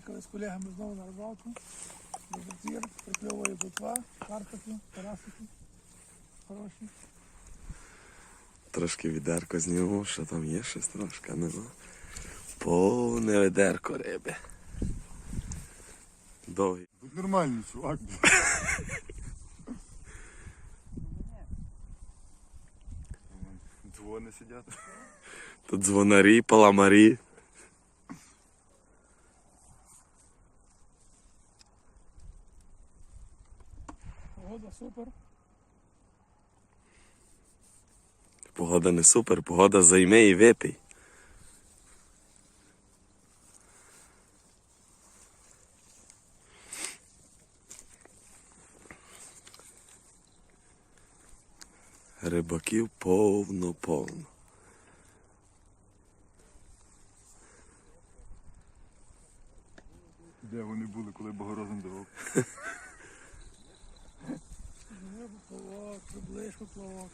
Приїхали з колегами знову на рибалку. До прикльовує плотва, карпики, тарасики. Хороші. Трошки відерко зніму, що там є щось трошки, нема. Повне відерко риби. Довгий. Будь нормальний, чувак. Дзвони сидять. Тут дзвонарі, паламарі. Погода супер. Погода не супер, погода займе і випий. Рибаків повно-повно. Де вони були, коли Богорозом давав? Плавок, приближку плавок.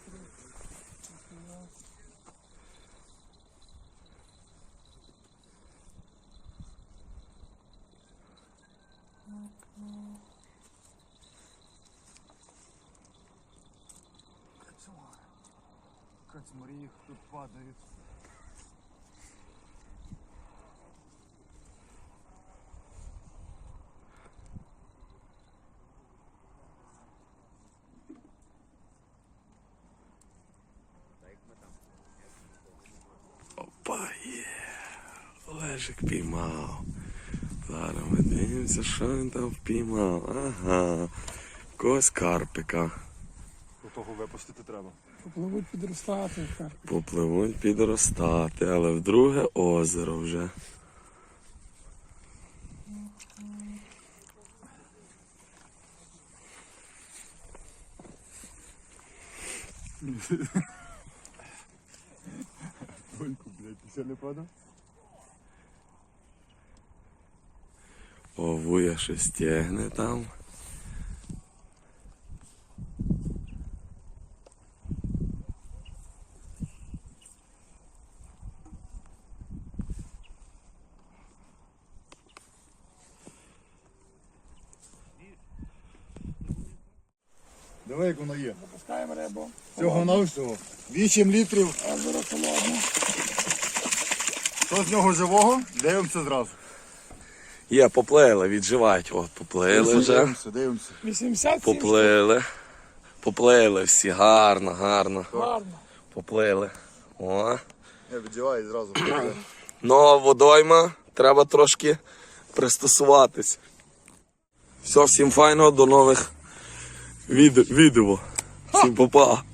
Кацмарі їх тут падають. Опа, є. Олежик піймав. Зараз ми дивимося, що він там впіймав. Ага. Когось карпика. До того випустити треба. Попливуть підростати. Попливуть підростати, але в друге озеро вже. Гольку, блядь, ти ще не падав? Овуя щось тягне там. Давай, як воно є. Запускаємо рибу. Всього на всього. 8 літрів. Озеро холодне. Що з нього живого? Дивимося зразу. Є, поплили, відживають. От, поплили вже. Дивимося. 87 Поплили. Поплили всі, гарно, гарно. гарно. Поплили. О. Я відживаю зразу. Нова водойма, треба трошки пристосуватись. Все, всім файного, до нових відео. Всім па-па.